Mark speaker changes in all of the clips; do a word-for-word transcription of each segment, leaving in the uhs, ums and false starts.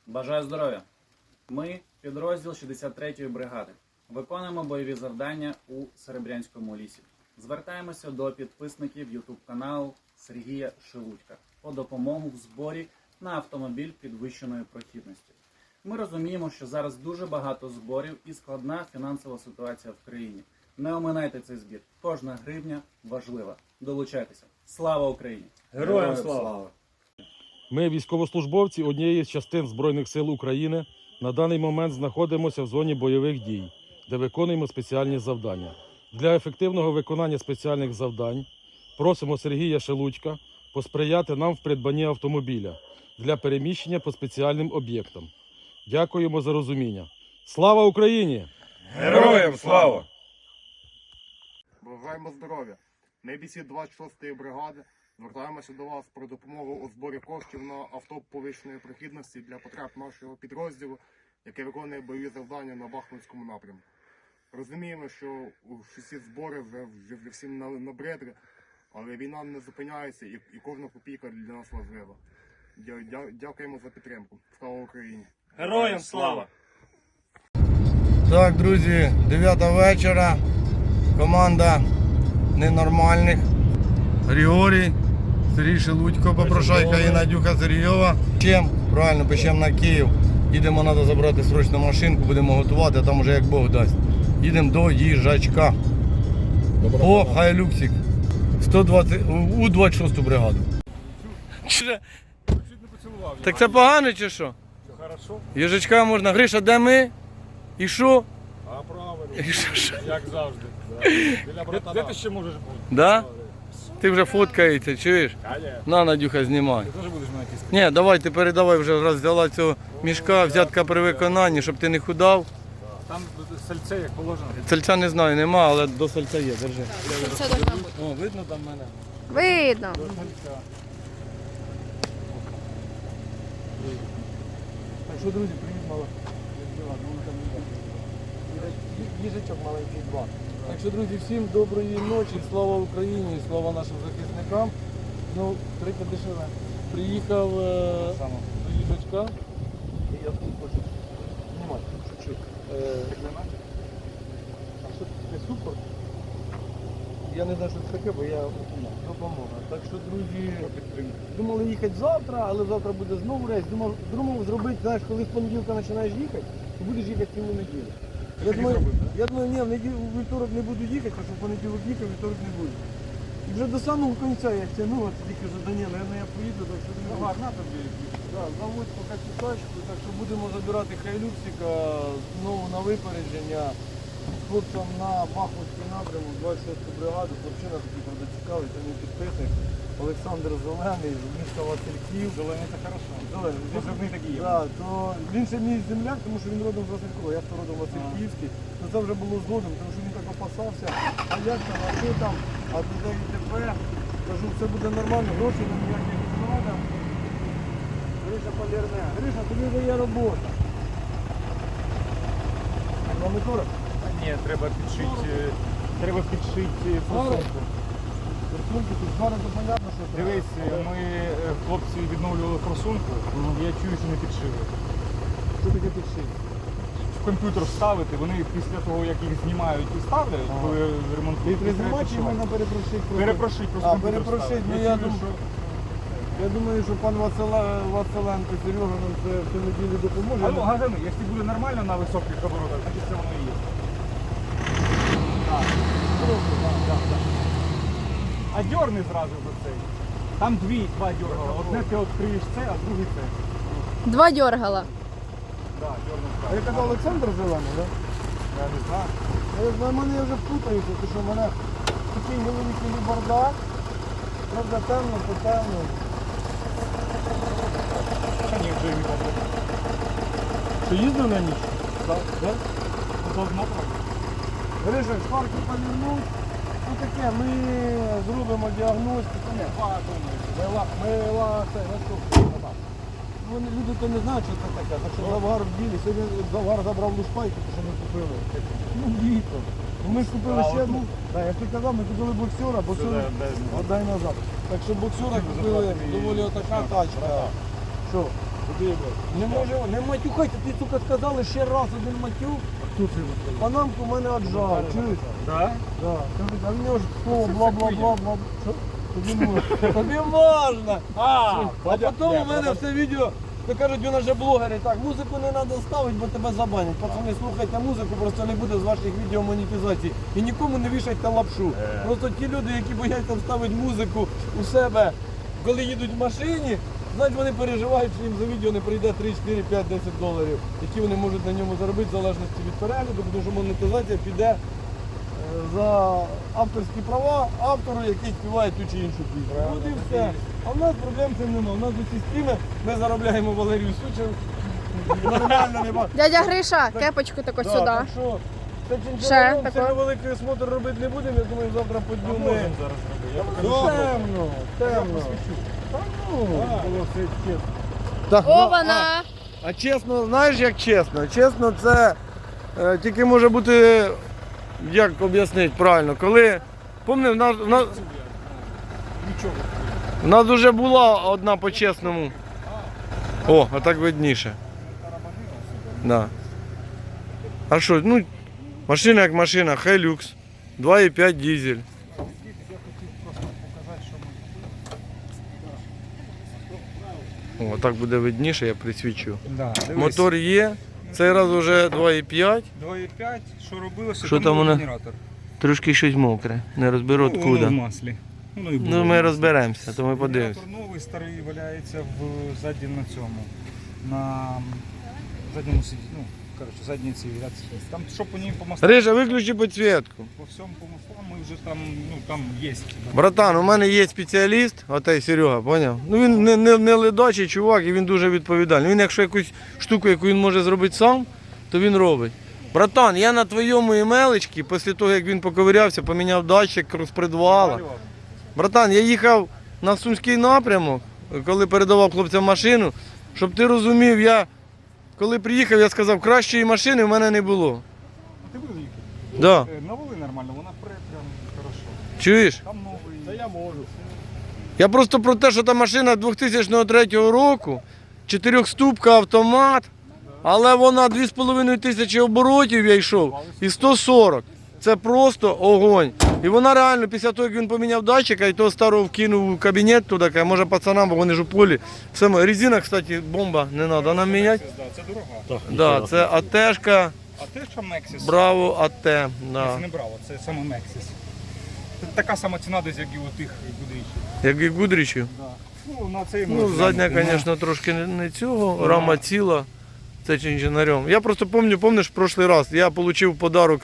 Speaker 1: Бажаю здоров'я! Ми, підрозділ шістдесят третьої бригади, виконуємо бойові завдання у Серебрянському лісі. Звертаємося до підписників ютуб-каналу Сергія Шелудька по допомогу в зборі на автомобіль підвищеної прохідності. Ми розуміємо, що зараз дуже багато зборів і складна фінансова ситуація в країні. Не оминайте цей збір. Кожна гривня важлива. Долучайтеся. Слава Україні!
Speaker 2: Героям слава!
Speaker 3: Ми, військовослужбовці однієї з частин Збройних сил України, на даний момент знаходимося в зоні бойових дій, де виконуємо спеціальні завдання. Для ефективного виконання спеціальних завдань просимо Сергія Шелудька посприяти нам в придбанні автомобіля для переміщення по спеціальним об'єктам. Дякуємо за розуміння. Слава Україні!
Speaker 2: Героям слава!
Speaker 4: Бажаємо здоров'я! Ми бійці двадцять шостої бригади звертаємося до вас про допомогу у зборі коштів на авто повищеної прохідності для потреб нашого підрозділу, який виконує бойові завдання на Бахмутському напрямку. Розуміємо, що всі збори вже, вже всім набридли, але війна не зупиняється і, і кожна копійка для нас важлива. Дя, дя, дякуємо за підтримку. Слава Україні!
Speaker 2: Героям слава!
Speaker 5: Так, друзі, дев'ята вечора. Команда ненормальних. Григорій, Сергій Шелудько, попрошайка і Надюха Сергійова. Чим? Правильно, пишемо на Київ. Їдемо, треба забрати срочну машинку, будемо готувати, а там уже як Бог дасть. Їдемо до їжачка. О, Хайлюксик. сто двадцять, у двадцять шосту бригаду. Так це погано чи що?
Speaker 2: Хорошо.
Speaker 5: Їжачка можна. Гриша, де ми? І що?
Speaker 2: А правильно,
Speaker 5: І що, що?
Speaker 2: як завжди. Біля Де ти ще можеш бути?
Speaker 5: Да? Ти вже фоткається, чуєш?
Speaker 2: Конечно.
Speaker 5: На, Надюха, знімай.
Speaker 2: Ти теж будеш мене кістити?
Speaker 5: Ні, давай, ти передавай вже, раз взяла цього мішка, взятка при виконанні, щоб ти не худав.
Speaker 2: Там сальце як положено.
Speaker 5: Сальця не знаю, нема, але до сальця є, держи.
Speaker 6: Це должна бути.
Speaker 5: О, видно там мене?
Speaker 6: Видно.
Speaker 2: До сальця.
Speaker 5: Так що, друзі, привіт, мала. Їжачок маленький два. Так що, друзі, всім доброї ночі, слава Україні, слава нашим захисникам. Ну, тридцять дешеве. Приїхав е, до їжачка. І я тут хочу знімати, чуть-чуть. Е, а що це супер? Я не знаю, що це таке, бо я допомога. Так що, друзі, думали їхати завтра, але завтра буде знову рейс. Думав, думав зробити, знаєш, коли з понеділка починаєш їхати, то будеш їхати цілу неділю. Я думаю, я думаю, ні, в неділю, в вівторок не буду їхати, тому що в понеділок їхав, вівторок не буду. І вже до самого кінця я тягнув, а тільки вже, да ні, наверное, я поїду, так що не буду.
Speaker 2: Ага, на тобі.
Speaker 5: Да, заводь поки цю тачку, так що будемо забирати Хайлюксика знову на випередження. Хлопцям на Бахмутський напрямок, двадцять шосту бригаду, хлопчина такий, правда, цікавий, це мій підписник. Олександр Зелений, з міста Васильків.
Speaker 2: Зелений це хорошо.
Speaker 5: Зелений.
Speaker 2: Позивний такий є.
Speaker 5: Да, то він ще мій земляк, тому що він родом з Василькова, я то родом Васильківський. Ну це вже було згодом, тому що він так опасався. А як там, а що там, а туди і тепер. Кажу, все буде нормально, грошей нам ніяких не треба. Гриша полірне. Гриша, тобі вже є робота. Вам не коротко?
Speaker 2: Ні, треба підшити, треба підшити форсунку.
Speaker 5: Форсунки, тут зараз то понятно, що треба.
Speaker 2: Дивись, ми е, хлопці відновлювали форсунку, і я чую, що не підшили.
Speaker 5: Що таке підшити?
Speaker 2: В комп'ютер вставити, вони після того, як їх знімають і ставлять,
Speaker 5: Ага.
Speaker 2: коли
Speaker 5: Ти
Speaker 2: ремонтують,
Speaker 5: треба
Speaker 2: треба
Speaker 5: знімати чи
Speaker 2: підшивати.
Speaker 5: можна перепрошити? просто?
Speaker 2: Перепрошить, просто
Speaker 5: А,
Speaker 2: комп'ютер
Speaker 5: перепрошить,
Speaker 2: вставити.
Speaker 5: ну
Speaker 2: Я
Speaker 5: я
Speaker 2: чую,
Speaker 5: думаю,
Speaker 2: що...
Speaker 5: я думаю, що пан Васила, Василенко, Сережа нам це в цю неділю допоможе.
Speaker 2: А ну, газани, якщо буде нормально на високих оборотах, значить це воно і є. Так, так, так, так. А дьорни зразу за цей. Там дві, два дьоргала. Одне ти відкриєш це, а другий це.
Speaker 6: Два дьоргала.
Speaker 2: Так, дьорнув
Speaker 5: А
Speaker 2: зразу.
Speaker 5: я казав Олександр Зелений, так?
Speaker 2: Я не знаю.
Speaker 5: Я знаю, мене вже путаюся, тому що в мене такий невеликий бардак. Правда, темно, то темно.
Speaker 2: Та ні, вже не пам'ятаю.
Speaker 5: Що їздив на ніч?
Speaker 2: Так.
Speaker 5: Так?
Speaker 2: Ну, то одно правда.
Speaker 5: Гриша, шпарки полірнуть. Ну таке, ми зробимо діагностику. Ні,
Speaker 2: Два, думаю.
Speaker 5: Ми ла, ми ла, це, наступне. Ну, люди то не знають, що це таке. Так що Завгар в ділі. Сьогодні Завгар забрав лушпайку, тому що ми купили. Ну, дійсно. Ну, ми ж купили
Speaker 2: А,
Speaker 5: ще
Speaker 2: от
Speaker 5: одну. Так, як ти казав, ми купили боксера, боксера
Speaker 2: Сюди, дай,
Speaker 5: отдай назад. Так що боксера
Speaker 2: Ну,
Speaker 5: купили
Speaker 2: заплатили
Speaker 5: доволі
Speaker 2: і
Speaker 5: отака
Speaker 2: почнемо.
Speaker 5: тачка. Що? Не може, не матюхайте, ти, сука, сказали ще раз один матюк. Панамку в мене отжав, чуєш?
Speaker 2: Да?
Speaker 5: Да. Кажуть, а в нього ж слово бла-бла-бла-бла. Що? Тобі можна. Тобі можна.
Speaker 2: А,
Speaker 5: А потім у мене все відео, то кажуть, він вже блогери, так, музику не треба ставити, бо тебе забанять. Пацани, слухайте музику, просто не буде з ваших відео монетизації. І нікому не вішайте лапшу. Просто ті люди, які бояться вставити музику у себе, коли їдуть в машині, значить вони переживають, що їм за відео не прийде три, чотири, п'ять, десять доларів, які вони можуть на ньому заробити в залежності від перегляду, тому що монетизація піде е, за авторські права автору, який співає ту чи іншу пісню. От і все. А в нас проблем з цим немає. У нас усі стріми, ми заробляємо Валерію Сучев. Нормально нема.
Speaker 6: Дядя Гриша, кепочку таку
Speaker 5: Да,
Speaker 6: сюди.
Speaker 5: так що, це
Speaker 6: Ще
Speaker 5: чинчаром,
Speaker 6: таке.
Speaker 5: це великий смотр робити не будемо, я думаю, завтра по дню ми.
Speaker 2: Можемо зараз робити. Я покажу, що
Speaker 5: Темно, темно.
Speaker 2: посвічу.
Speaker 5: Та ну, було все чесно. Так, ну,
Speaker 6: Ована!
Speaker 5: а, а чесно, знаєш як чесно? Чесно, це е, тільки може бути, як об'яснити правильно, коли, пам'ятаєш, в нас, в нас,
Speaker 2: Нічого.
Speaker 5: в нас вже була одна по-чесному. О, а так видніше. Да. А що, ну, машина як машина, Hilux, два і п'ять дизель. О, так буде видніше, я присвічу.
Speaker 2: Да, дивись.
Speaker 5: Мотор є, цей раз вже два і п'ять.
Speaker 2: два і п'ять, що робилося,
Speaker 5: Що
Speaker 2: там
Speaker 5: там
Speaker 2: був
Speaker 5: воно?
Speaker 2: генератор.
Speaker 5: Трошки щось мокре, не розберу
Speaker 2: Ну, воно
Speaker 5: откуда.
Speaker 2: в маслі. Воно і було
Speaker 5: Ну
Speaker 2: в
Speaker 5: ми
Speaker 2: маслі.
Speaker 5: розберемося, то ми подивимося.
Speaker 2: Генератор новий, старий валяється в ззаді на цьому. На задньому сиді, ну, коротше, задній цій рядці. Там, що по ній по маслам,
Speaker 5: Рижа, виключи підсвітку.
Speaker 2: по всьому по маслам, ми вже там, ну, там є.
Speaker 5: Братан, у мене є спеціаліст, отей Серега, поняв? Ну він не, не, не ледачий чувак і він дуже відповідальний. Він якщо якусь штуку, яку він може зробити сам, то він робить. Братан, я на твоєму емелечці, після того як він поковирявся, поміняв датчик розпредвала. Братан, я їхав на Сумський напрямок, коли передавав хлопцям машину, щоб ти розумів, я коли приїхав, я сказав, кращої машини в мене не було.
Speaker 2: А ти виїхав?
Speaker 5: Да.
Speaker 2: Е, Навели нормально, вона пре прям хорошо.
Speaker 5: Чуєш?
Speaker 2: Там новий. Та я можу.
Speaker 5: Я просто про те, що та машина дві тисячі третього року, чотирьохступка автомат, але вона дві з половиною тисячі оборотів я йшов і сто сорок. Це просто огонь. І вона реально, після того, як він поміняв датчика і того старого вкинув у кабінет туди, каже, може пацанам, бо вони ж у полі. Все, ми- резина, кстати, бомба, не треба нам міняти.
Speaker 2: Да, це дорога.
Speaker 5: Да, це АТшка,
Speaker 2: А те, що Mexis?
Speaker 5: Браво АТ.
Speaker 2: Це
Speaker 5: Да.
Speaker 2: не Браво, це саме Mexis. Це така сама ціна десь, як і у тих будинків.
Speaker 5: Як і Гудрічів.
Speaker 2: Да. Ну, на цей
Speaker 5: Ну,
Speaker 2: можна
Speaker 5: задня,
Speaker 2: глянути.
Speaker 5: звісно, трошки не, не цього, рама ціла. Це чи інженером. Я просто пам'ятаю, пам'ятаєш, в прошлий раз я отримав подарок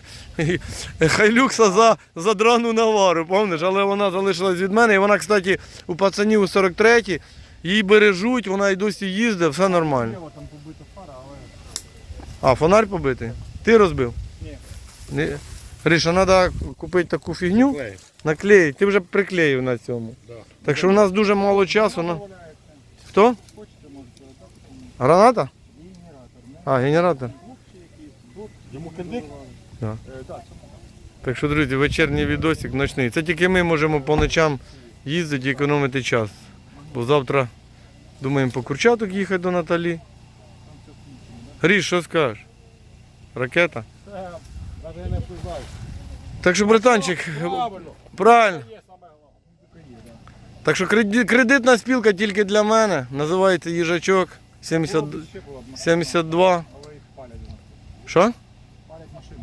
Speaker 5: Хайлюкса за, за драну навару, пам'ятаєш, але вона залишилась від мене. І вона, кстати, у пацанів у сорок третій, її бережуть, вона і досі їздить, все нормально.
Speaker 2: Зліва там побита фара, але...
Speaker 5: А, фонарь побитий? Ти розбив?
Speaker 2: Ні.
Speaker 5: Ні. Гриша, треба купити таку фігню, наклеїти. Ти вже приклеїв на цьому.
Speaker 2: Да.
Speaker 5: Так що у нас дуже мало часу. На... Хто? Граната? А, генератор.
Speaker 2: Йому кидик?
Speaker 5: Да. Так що, друзі, вечірній відосик ночний. Це тільки ми можемо по ночам їздити і економити час. Бо завтра думаємо по Курчаток їхати до Наталі. Гріш, що скажеш? Ракета?
Speaker 2: Навіть не впливаю.
Speaker 5: Так що, братанчик, правильно. Так що креди- кредитна спілка тільки для мене. Називається їжачок сімдесят,
Speaker 2: Ще була б машина,
Speaker 5: сімдесят два.
Speaker 2: але їх палять. у нас.
Speaker 5: Що?
Speaker 2: Палять машину.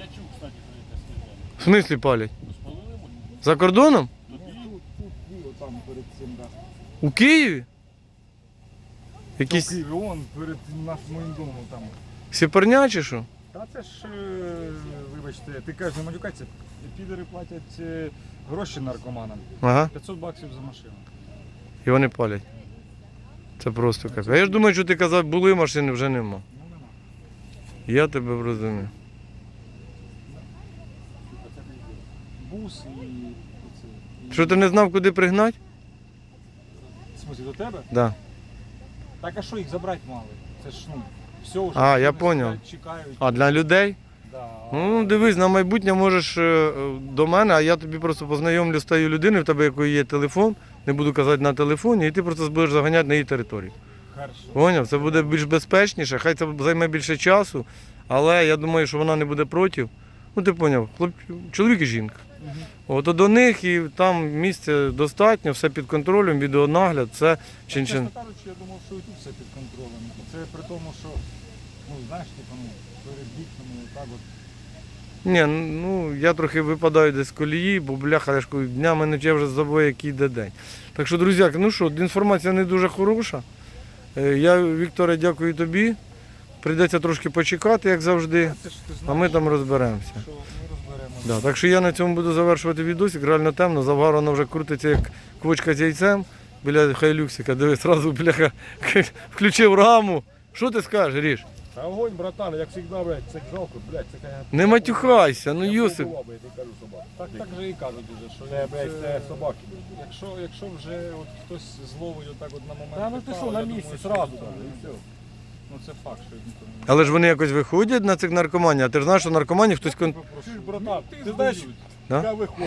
Speaker 5: В смислі палять? За кордоном?
Speaker 2: Тут, тут було там перед цим, да.
Speaker 5: У Києві? Якісь
Speaker 2: Києві, вон перед нашим моїм домом там.
Speaker 5: сіперня чи що?
Speaker 2: Та це ж, е, вибачте, ти кажеш, не матюкайся, підери платять е, гроші наркоманам.
Speaker 5: Ага.
Speaker 2: п'ятсот баксів за машину.
Speaker 5: І вони палять. Це просто капець. А я ж думаю, що ти казав, були машини, вже нема.
Speaker 2: Ну нема.
Speaker 5: Я тебе розумію.
Speaker 2: Бус і оце.
Speaker 5: Що ти не знав, куди пригнати?
Speaker 2: В смысле, до тебе?
Speaker 5: Да.
Speaker 2: Так а що їх забрати мали? Це ж, ну, все вже.
Speaker 5: А, я
Speaker 2: вони
Speaker 5: поняв.
Speaker 2: сидять, чекають.
Speaker 5: А для людей?
Speaker 2: Да.
Speaker 5: Ну, дивись, на майбутнє можеш е, до мене, а я тобі просто познайомлю з тією людиною, в тебе якої є телефон, не буду казати на телефоні, і ти просто будеш заганяти на її територію.
Speaker 3: Поняв? Це буде більш безпечніше, хай це займе більше часу, але я думаю, що вона не буде проти. Ну ти поняв, хлоп... чоловік і жінка. От до них і там місця достатньо, все під контролем, відеонагляд, це чин-чин.
Speaker 2: Чесно кажучи, я думав, що і тут все під контролем. Це при тому, що, ну, знаєш, типу, ну, перед вікнами, так от.
Speaker 3: Ні, ну я трохи випадаю десь з колії, бо бляха, я ж кажу, днями не я вже забув, який йде день. Так що, друзяки, ну що, інформація не дуже хороша. Е, Я, Вікторе, дякую тобі. Прийдеться трошки почекати, як завжди,
Speaker 2: Це ж ти
Speaker 3: а
Speaker 2: знаєш,
Speaker 3: ми там розберемося.
Speaker 2: що ми розберемо.
Speaker 3: Да, так що я на цьому буду завершувати відосик, реально темно, Завгар вона вже крутиться як квочка з яйцем біля хайлюксика, диви, одразу бляха включив раму. Що ти скажеш, Ріш?
Speaker 7: Та огонь, братан, як завжди, блядь, це жалко, блядь, це конечно.
Speaker 3: Не матюхайся, ну Йосип.
Speaker 7: Я би, я тобі кажу, собака.
Speaker 2: Так, так же і кажуть уже, що
Speaker 7: Це, блядь, це собаки.
Speaker 2: якщо, якщо вже от хтось зловить отак от на момент.
Speaker 7: Та ну ти
Speaker 2: припав,
Speaker 7: що, на
Speaker 2: я думаю,
Speaker 7: місці,
Speaker 2: що
Speaker 7: сразу
Speaker 2: ніхто
Speaker 7: там,
Speaker 2: не-
Speaker 7: і все.
Speaker 2: Ну це факт, що ніхто не
Speaker 3: Але ж вони якось виходять на цих наркоманів, а ти ж знаєш, що наркоманів хтось кон...
Speaker 7: Чуєш, братан,
Speaker 2: Ти
Speaker 7: ти знаєш,
Speaker 2: здають.
Speaker 3: Да?
Speaker 7: я виходжу.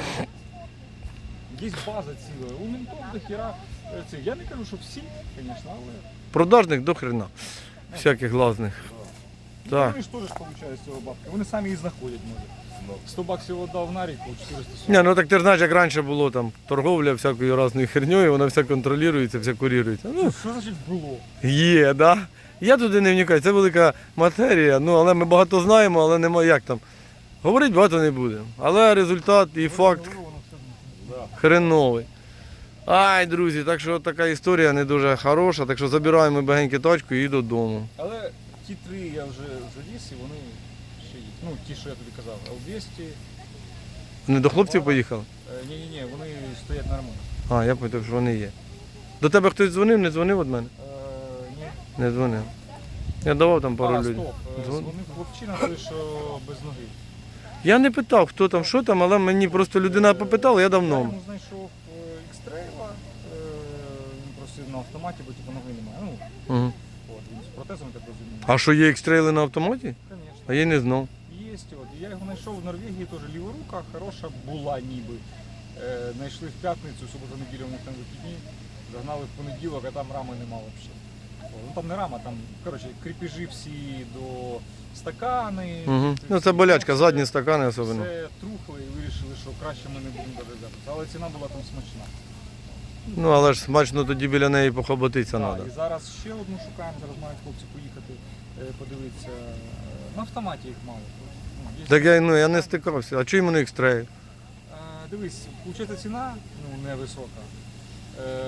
Speaker 2: Є база ціла. У ментов до хіра. е, Це. Я не кажу, що всі, звісно, але.
Speaker 3: продажних до хрена. Всяких глазних. Так.
Speaker 2: Вони ж теж получають з цього бабки. Вони самі їх знаходять, може. сто баксів віддав на рік, чотириста сорок.
Speaker 3: Ні, ну так ти ж знаєш, як раніше було там торговля всякою разною херньою, вона вся контролюється, вся курірується. Ну,
Speaker 2: Що значить було?
Speaker 3: є, да? Я туди не вникаю, це велика матерія, ну але ми багато знаємо, але немає як там. Говорить багато не будемо. Але результат і факт хреновий. Ай, друзі, так що така історія не дуже хороша, так що забираємо багеньки тачку і додому.
Speaker 2: Але ті три я вже завіз і вони ще є. Ну, ті, що я тобі казав, Л двісті.
Speaker 3: Вони до хлопців поїхали?
Speaker 2: Ні-ні-ні, вони стоять нормально.
Speaker 3: А, я пам'ятаю, що вони є. До тебе хтось дзвонив, не дзвонив від мене?
Speaker 2: Е, ні.
Speaker 3: Не дзвонив. Я давав там пару
Speaker 2: а,
Speaker 3: людей.
Speaker 2: стоп. е,
Speaker 3: Дзвон-
Speaker 2: Дзвонив хлопчина, той, що без ноги.
Speaker 3: Я не питав, хто там, що там, але мені просто людина попитала, я дав
Speaker 2: Я
Speaker 3: номер.
Speaker 2: йому знайшов екстрейла, він просив на автоматі, бо типу ноги немає. Ну,
Speaker 3: Угу.
Speaker 2: от, він з протезом, так розумію.
Speaker 3: А що є екстрейли на автоматі?
Speaker 2: Звісно.
Speaker 3: А я й не знав.
Speaker 2: Є, от. Я його знайшов в Норвегії, теж ліворука, хороша була ніби. Е, Знайшли в п'ятницю, в суботу неділю у них там вихідні. Загнали в понеділок, а там рами нема взагалі. Ну там не рама, там, коротше, кріпежі всі до стакани.
Speaker 3: Угу.
Speaker 2: це
Speaker 3: Ну
Speaker 2: всі-
Speaker 3: це болячка,
Speaker 2: все-
Speaker 3: задні стакани особливо.
Speaker 2: Все трухли і вирішили, що краще ми не будемо додатися. Але ціна була там смачна.
Speaker 3: Ну але ж смачно тоді біля неї похоботитися
Speaker 2: Так,
Speaker 3: треба.
Speaker 2: і зараз ще одну шукаємо, зараз мають хлопці поїхати е, подивитися. Е, На автоматі їх мало. Ну, є-
Speaker 3: Так я, ну, я не стикався. А чому вони екстрейл?
Speaker 2: Е, Дивись, виходить, ціна ну, невисока. Е,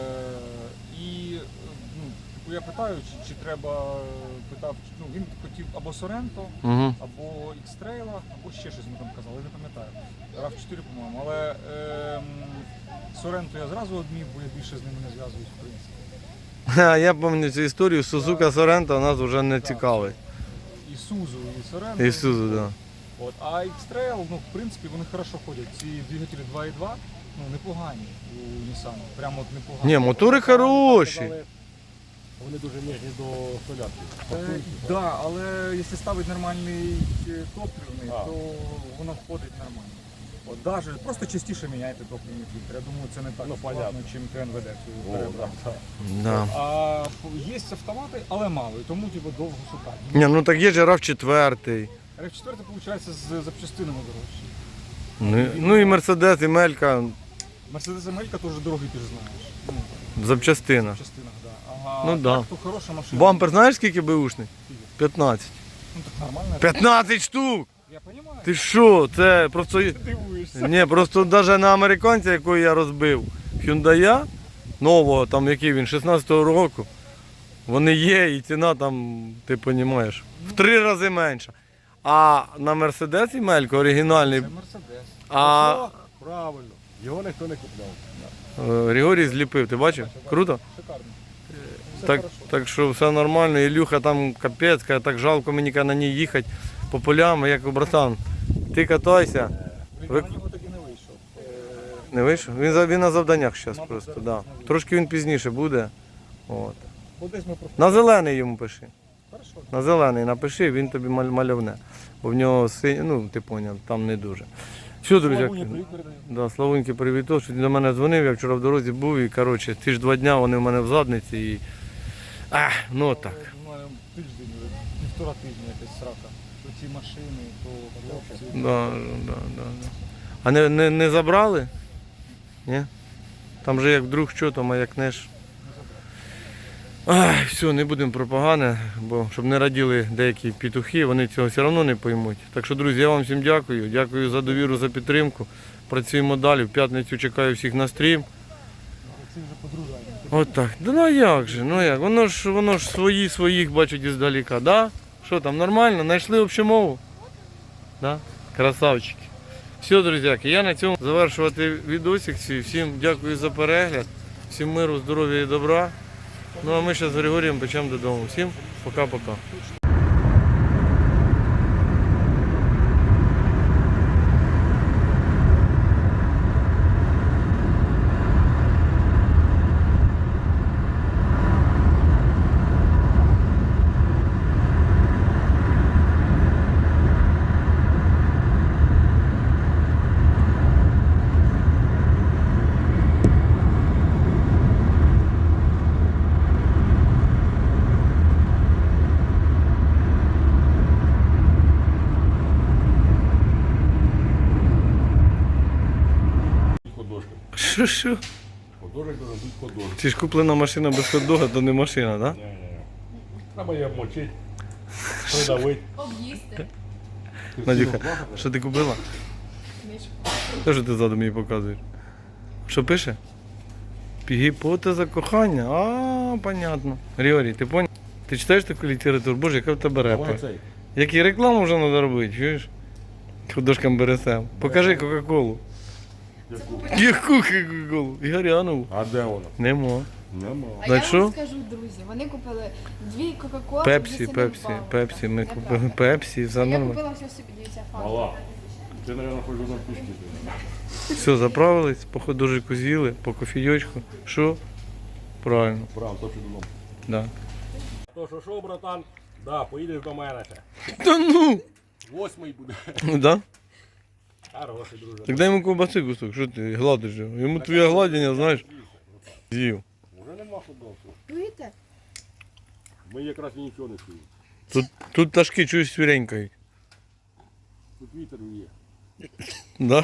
Speaker 2: і е, ну, типу, я питаю, чи, чи треба, е, питав, чи- ну, він хотів або Соренто,
Speaker 3: Угу.
Speaker 2: або X-Trail, або ще щось ми там казали, я не пам'ятаю. рав чотири, по-моєму. Але е, Соренто я зразу одмів, бо я більше з ними не зв'язуюсь, в принципі.
Speaker 3: Я пам'ятаю цю історію, Сузука Сорента нас вже не цікавить.
Speaker 2: І Сузу, і Соренто.
Speaker 3: І Сузу, так.
Speaker 2: От, а X-Trail, ну, в принципі, вони хорошо ходять. Ці двигателі два і два, ну, непогані у Nissan. Прямо от непогані.
Speaker 3: Ні, мотори хороші.
Speaker 7: Вони дуже ніжні до солярки.
Speaker 2: Так, да, але якщо ставити нормальний е, топливний,
Speaker 7: А.
Speaker 2: то воно входить нормально. От даже просто частіше міняйте топливний фільтр. Я думаю, це не так
Speaker 7: Ну,
Speaker 2: складно,
Speaker 7: понятно.
Speaker 2: чим КНВД
Speaker 7: О,
Speaker 2: перебрати.
Speaker 7: да.
Speaker 3: Да.
Speaker 2: А є автомати, але мало, і тому типу, довго шукати.
Speaker 3: Ні, ну так є ж рав четвертий.
Speaker 2: рав чотири, виходить, з запчастинами дорожчі.
Speaker 3: Ну, ну і Мерседес, і Мелька
Speaker 2: Мерседес Амелька теж дорогий, ти ж знаєш. Ну,
Speaker 3: в запчастинах.
Speaker 2: в частинах, да. Ага,
Speaker 3: Ну,
Speaker 2: так,
Speaker 3: да.
Speaker 2: то хороша машина.
Speaker 3: Бампер знаєш скільки беушний? п'ятнадцять.
Speaker 2: Ну так нормально.
Speaker 3: п'ятнадцять штук!
Speaker 2: Я розумію.
Speaker 3: Ти що? Це просто.
Speaker 2: Ти дивуєшся.
Speaker 3: Ні, просто навіть на американця, якого я розбив, Hyundai нового, там який він, шістнадцятого року, вони є і ціна там, ти розумієш, в три рази менша. А на Мерседес і Мелько оригінальний,
Speaker 2: Це Мерседес.
Speaker 3: а
Speaker 7: Правильно. Його ніхто не купляв.
Speaker 3: е, Григорій зліпив, ти бачив? Круто?
Speaker 2: Шикарно. Все
Speaker 3: Так,
Speaker 2: хорошо.
Speaker 3: так що все нормально, Ілюха там капець, каже, так жалко мені каже, на ній їхати по полям, я кажу, братан, ти катайся.
Speaker 2: Блін,
Speaker 3: ви-
Speaker 2: я на нього тоді не вийшов. Е,
Speaker 3: Не вийшов? Він, за- він на завданнях зараз
Speaker 2: Мабуть,
Speaker 3: просто,
Speaker 2: зараз
Speaker 3: да.
Speaker 2: не вийде.
Speaker 3: Трошки він пізніше буде. От.
Speaker 2: Бо десь ми просто...
Speaker 3: На зелений йому пиши.
Speaker 2: Хорошо.
Speaker 3: На зелений напиши, він тобі маль- мальовне. Бо в нього синь, ну ти поняв, там не дуже. Що, друзі?
Speaker 7: Славуні привіт передаю.
Speaker 3: Да, Славуньки, привіт. Що він до мене дзвонив, я вчора в дорозі був і коротше, ті ж два дня вони в мене в задниці. І
Speaker 5: А, ну так.
Speaker 2: У мене тиждень, півтора тижня якась срака. То ці машини, то хлопці.
Speaker 5: Да, да, да, да. А не, не, не забрали? Ні? Там же як вдруг що, то маякнеш. Ай, все, не будемо про погане, бо щоб не раділи деякі петухи, вони цього все одно не поймуть. Так що, друзі, я вам всім дякую. Дякую за довіру, за підтримку. Працюємо далі. В п'ятницю чекаю всіх на стрім.
Speaker 2: Це вже подружання.
Speaker 5: От так. Да ну а як же, ну як? Воно ж, воно ж свої своїх бачить іздаліка, да? Що там, нормально? Знайшли общу мову? Да? Красавчики. Все, друзяки, я на цьому завершувати відосик. Всім дякую за перегляд. Всім миру, здоров'я і добра. Ну а ми зараз з Григорієм печемо додому. Всім пока-пока.
Speaker 7: Художник.
Speaker 5: Що, що?
Speaker 7: Художник должен бути художник.
Speaker 5: Це ж куплена машина без хот-дога, то не машина, так? Да?
Speaker 7: Не-не-не. Треба її обмочити, придавити.
Speaker 6: Об'їсти.
Speaker 5: Надюха, що ти купила? Те, що ти ззаду мені показуєш? Що пише? Гіпотеза кохання. А, понятно. Григорій, ти поняв? Ти читаєш таку літературу? Боже, яка в тебе
Speaker 7: Давай
Speaker 5: репа.
Speaker 7: цей.
Speaker 5: Як і рекламу вже треба робити, чуєш? Художкам бересем. Покажи Кока-Колу.
Speaker 7: Яку?
Speaker 5: Яку Кока-Колу? Ігорянову.
Speaker 7: А де вона?
Speaker 5: Нема.
Speaker 7: Нема.
Speaker 6: А
Speaker 5: Знаєш
Speaker 6: я
Speaker 5: що?
Speaker 6: вам скажу, друзі, вони купили дві Кока-Коли.
Speaker 5: Пепсі, Пепсі, Пепсі. Ми купили Пепсі, все
Speaker 6: Я
Speaker 5: нормально.
Speaker 6: купила все собі, дивіться,
Speaker 7: Мала.
Speaker 6: фан.
Speaker 7: Ти, мабуть, хочеш на пішки.
Speaker 5: Все, заправились, по ходожику з'їли, по кофійочку. Що? Правильно,
Speaker 7: Прям, то що додому.
Speaker 5: да.
Speaker 7: То що, що, братан? Да, поїдеш до мене ще.
Speaker 5: Та ну!
Speaker 7: Восьмий буде.
Speaker 5: Ну да?
Speaker 7: Хороший, друже.
Speaker 5: Так дай йому ковбаси кусок, що ти гладиш його? Йому твоє гладіння, знаєш, з'їв.
Speaker 7: Уже нема художку.
Speaker 6: Чуєте?
Speaker 7: Ми якраз і нічого не чуємо.
Speaker 5: Тут, тут пташки чують свіренькають.
Speaker 7: Тут вітер є.
Speaker 5: Да?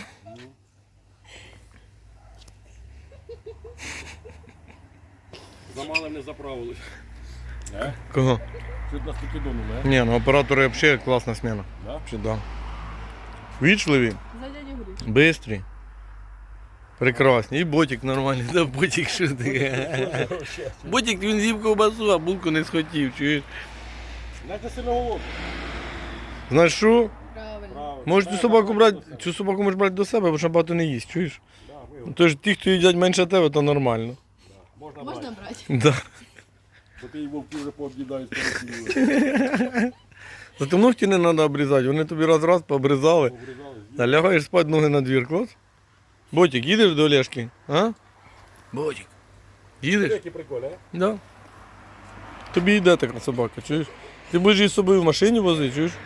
Speaker 7: Замало не заправились. Е?
Speaker 5: Кого?
Speaker 7: Чуть нас покидонули, е?
Speaker 5: Ні, ну оператори взагалі класна сміна.
Speaker 7: Да?
Speaker 5: Чи да? Вічливі,
Speaker 6: За дядю Гриш.
Speaker 5: бистрі, прекрасні. І ботик нормальний, да ботик що таке. Ботик він з'їв ковбасу, а булку не схотів, чуєш?
Speaker 7: Знаєте, сильно голодний.
Speaker 5: Знаєш що?
Speaker 6: Правильно.
Speaker 7: Правильно.
Speaker 5: Можеш цю собаку брати, цю собаку можеш брати до себе, бо що багато не їсть, чуєш?
Speaker 7: Да, ми
Speaker 5: Тож ті, хто їдять менше тебе, то нормально.
Speaker 7: Можна,
Speaker 6: Можна
Speaker 7: брати.
Speaker 6: брати?
Speaker 5: Да.
Speaker 7: Бо ти і вовки вже пооб'їдають пересіли.
Speaker 5: Зато ногті не треба обрізати, вони тобі раз-раз пообрізали.
Speaker 7: Обрізали.
Speaker 5: Та лягаєш спати, ноги на двір, клас. Ботик, їдеш до Олешки? А? Ботик. Їдеш?
Speaker 7: Які приколи, а?
Speaker 5: Да. Тобі йде така собака, чуєш? Ти будеш її з собою в машині возити, чуєш?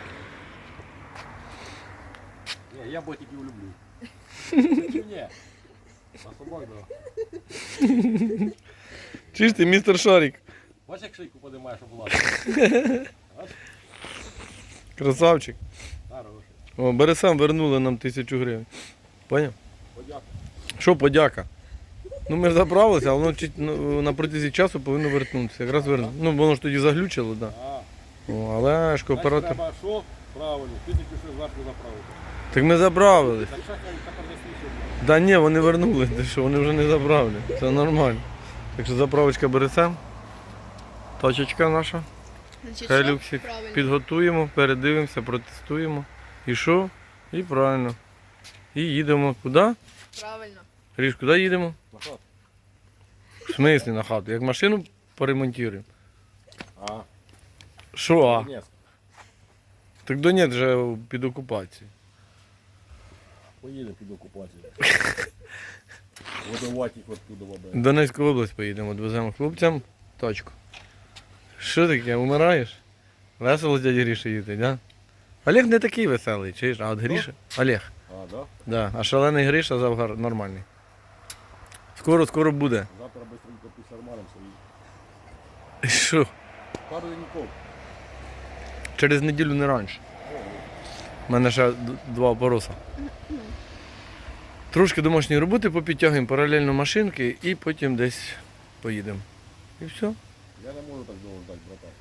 Speaker 7: Ні, я ботиків люблю. Чи ні? А собак, да.
Speaker 5: Чуєш ти, містер Шарик?
Speaker 7: Бачиш, як шийку подимаєш, щоб лазити?
Speaker 5: Красавчик.
Speaker 7: Хороший.
Speaker 5: О, Бересам вернули нам тисячу гривень. Поняв?
Speaker 7: Подяка.
Speaker 5: Що подяка? Ну ми ж заправилися, а воно чуть, ну, на протязі часу повинно вернутися. Якраз верну. Ну воно ж тоді заглючило, так.
Speaker 7: А,
Speaker 5: Да. О, але ж
Speaker 7: значить,
Speaker 5: кооператор.
Speaker 7: треба що? Правильно, тисячу ще зверху заправити.
Speaker 5: Так ми заправились.
Speaker 7: Так що я тепер заслухаю?
Speaker 5: Да ні, вони вернули, ти що, вони вже не заправлять. Це нормально. Так що заправочка береться. Тачечка наша.
Speaker 6: Значить,
Speaker 5: Хай
Speaker 6: що?
Speaker 5: люксик
Speaker 6: Правильно.
Speaker 5: підготуємо, передивимося, протестуємо. І що? І правильно. І їдемо. Куди?
Speaker 6: Правильно.
Speaker 5: Ріж, куди їдемо?
Speaker 7: На хату.
Speaker 5: В смислі на хату? Як машину поремонтуємо.
Speaker 7: А,
Speaker 5: Що а?
Speaker 7: Донецьк.
Speaker 5: Так Донець вже під окупацією.
Speaker 7: Поїдемо під окупацію. Водовать їх оттуда вода.
Speaker 5: В Донецьку область поїдемо, відвеземо хлопцям тачку. Що таке, умираєш? Весело з дяді Гріші їздить, да? Олег не такий веселий, чуєш? А от Гріша? Олег.
Speaker 7: А, да?
Speaker 5: Да. А шалений Гриша завгар нормальний. Скоро, скоро буде.
Speaker 7: Завтра быстренько після армаром своїх.
Speaker 5: І що?
Speaker 7: Пару деньков.
Speaker 5: Через неділю не раніше. У мене ще д- два опороса. Трошки домашньої роботи попідтягуємо паралельно машинки і потім десь поїдемо. І все.
Speaker 7: Я не можу так довго ждати, братан.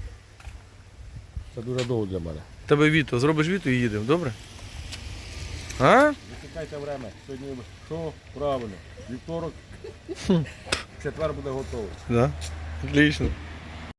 Speaker 7: Це дуже довго для мене.
Speaker 5: Тебе віто, зробиш віто і їдемо, добре? А?
Speaker 7: Висікайте время. Сьогодні що? Правильно. Вівторок. Четвер буде готовий.
Speaker 5: Да. Отлично.